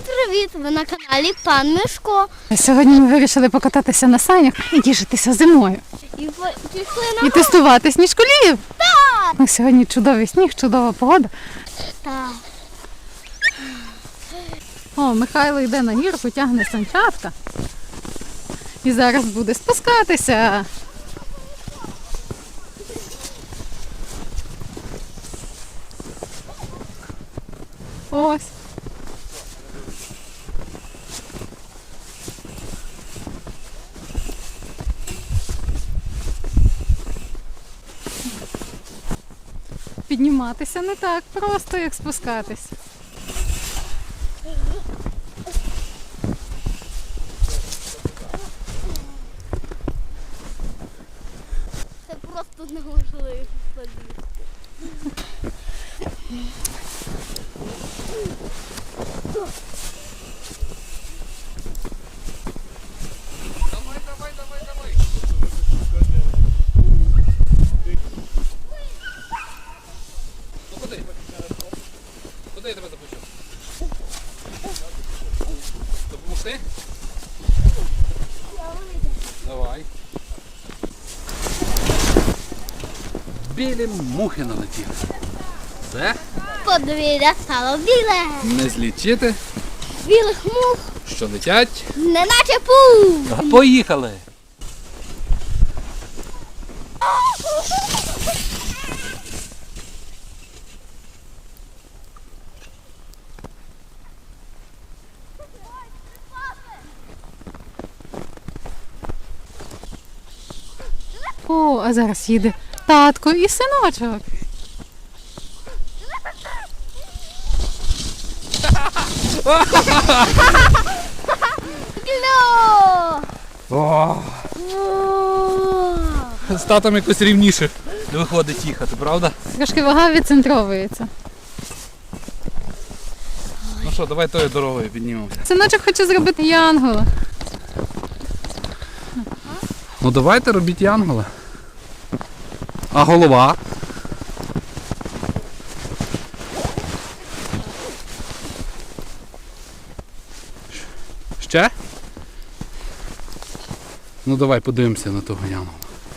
Привіт! Ви на каналі Пан Мишко. Сьогодні ми вирішили покататися на санях і тішитися зимою. І пішли на І тестувати сніжколів. Так! Ну, сьогодні чудовий сніг, чудова погода. Так. О, Михайло йде на гірку, тягне санчатка. І зараз буде спускатися. Ось. Підніматися не так просто, як спускатись. Це просто неможливо. Давай. Ну куди? Куди я тебе запущу? Допомогти? Давай. Білі мухи налетіли. Все? Подвір'я стало біле. Не злічити, Білих мух, що летять. неначе пух. Поїхали! О, а зараз їде татко і синочок. Кльо! О, з татом якось рівніше виходить їхати, правда? Трошки вага відцентровується. Ну що, давай тою дорогою піднімемося. Синочок хоче зробити янгола. Ну давайте робіть янгола. А голова? Ще? Ну давай подивимося на того янгола.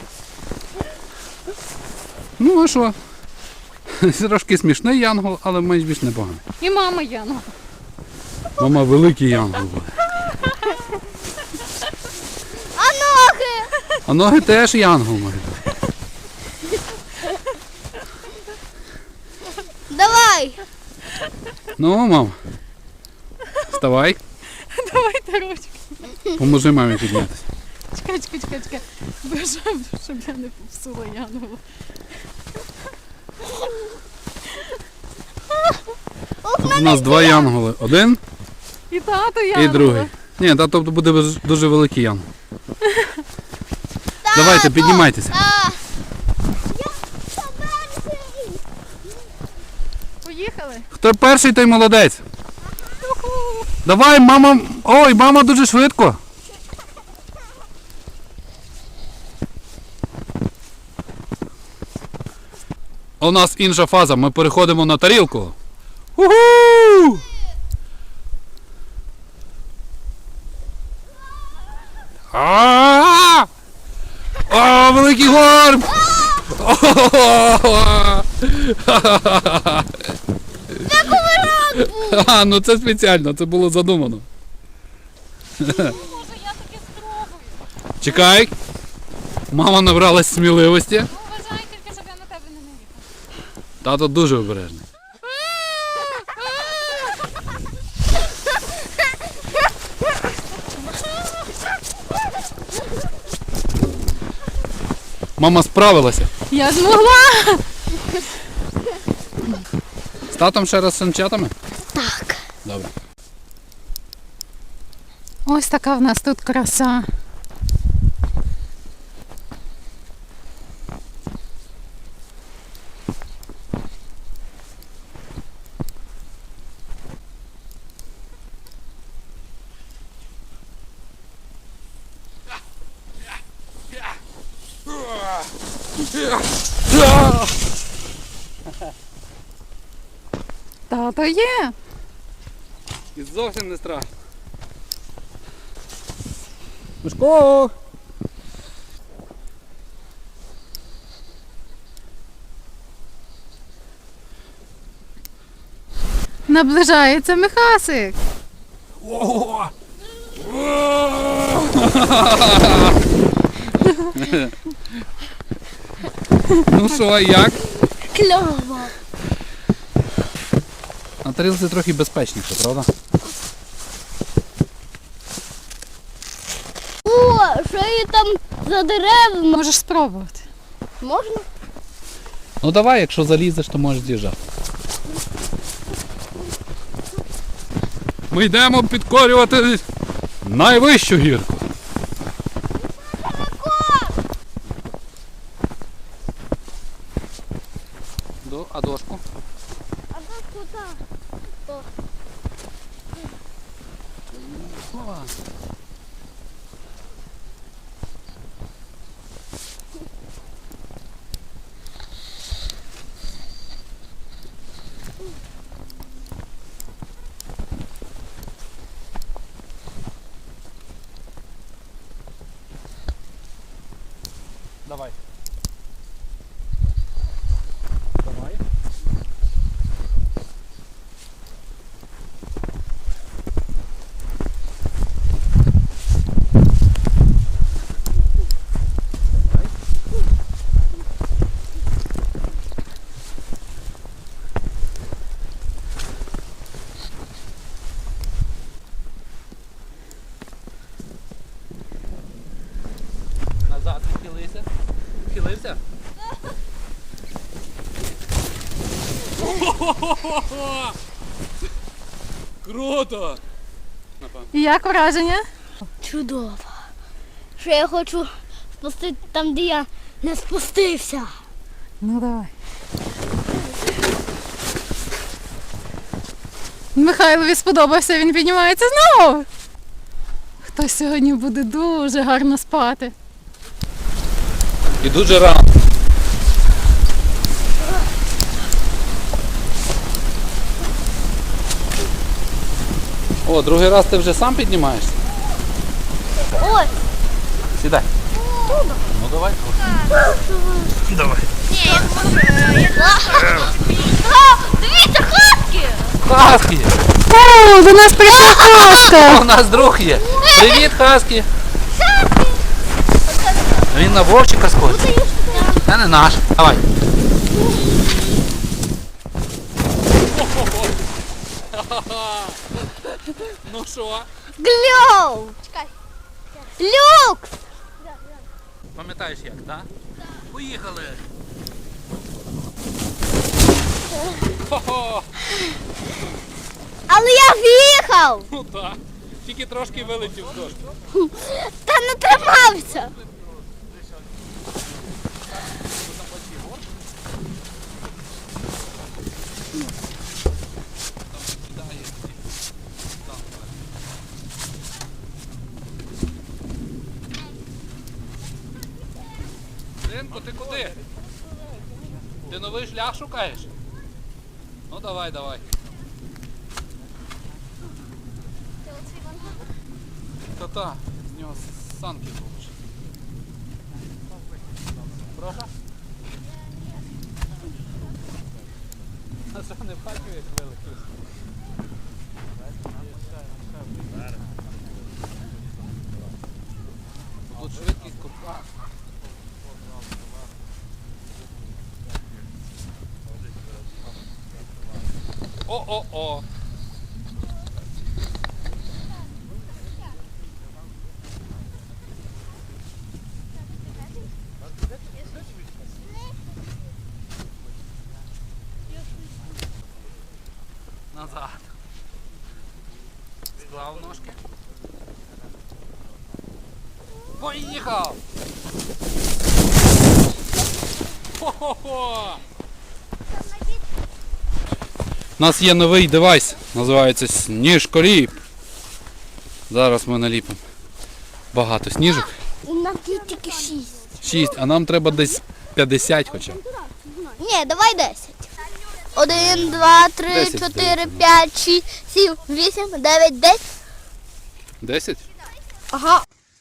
Ну а що? Трошки смішний янгол, але менш більш непоганий. І мама янгол. Мама великий янгол буде. А ноги? А ноги теж янгол може бути. Давай! Ну, мам. Вставай, Давайте ручки. поможи мамі піднятися. Чекай. Бажаю, щоб я не попсула янгола. У нас два янголи. Один І тато янгола. і другий. Ні, тато буде дуже великий янгол. Давайте, піднімайтеся. Так. Я перший. Поїхали? Хто перший, той молодець. Давай, мама. Ой, мама дуже швидко. У нас інша фаза, ми переходимо на тарілку. Уху! А! О, великий горб! А, ну це спеціально, це було задумано. Може, я таки спробую. Чекай. Мама набралась сміливості. Ну, вважай тільки, щоб я на тебе не наїхала. Тато дуже обережний. Мама справилася. Я змогла! З татом ще раз з санчатами? Так. Добре. Ось така в нас тут краса. Тато є. І зовсім не страшно. Мишко! Наближається Михасик. Ого! Ну що, як? Кльово. На тарілці трохи безпечніше, правда? О, що є там за деревами? Можеш спробувати. Можна? Ну давай, якщо залізеш, то можеш з'їжджати. Ми йдемо підкорювати найвищу гірку. А дошку? А тут куди? Давай. Давай. Назад відхилися. Відхилився? Круто! І як враження? Чудово. Що я хочу спустити там, де я не спустився. Ну давай. Михайлові сподобався, він піднімається знову. Хтось сьогодні буде дуже гарно спати. І дуже рано. О, другий раз ти вже сам піднімаєшся? Ой, Сідай. Ну давай. Давай. дивіться, хаски! Хаскі! О, до нас прийшла казка! У нас друг є. Привіт, Хаскі. Він на вовчика схожий. Це не наш. Давай. Ну що? Гльов! Чекай. Люкс! Пам'ятаєш як, так? Поїхали. Хо-хо! Але я в'їхав! Ну так. Тільки трошки вилетів з дошки. Та не тримався! Синку, ти куди? Ти новий шлях шукаєш? Ну давай, давай. Та-та, з нього санки зробиш. Прошу? А що, не бачив, як вилетів? Тут швидкість купа. О-о-о! Назад. Склав ножки. Поїхав! Хо-хо-хо! У нас є новий девайс, називається сніжколіп. Зараз ми наліпимо багато сніжок. У нас є тільки 6. 6, а нам треба десь 50 хоча б. Ні, давай 10. 1, 2, 3, 10 4, здається. 5, 6, 7, 8, 9, 10. 10? Ага.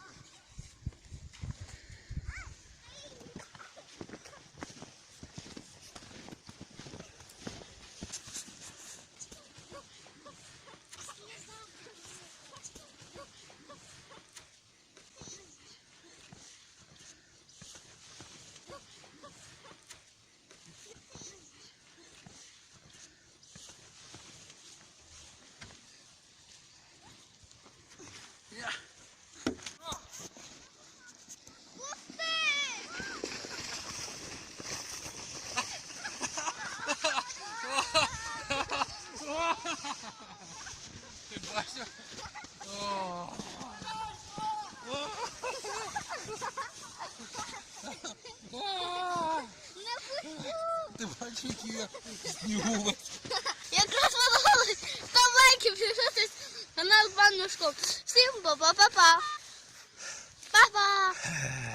Ти бачиш, які я снігу. Якраз подали 100 лайків, підписуйтесь на наш баночку. Всім па-па-па-па. Па-па.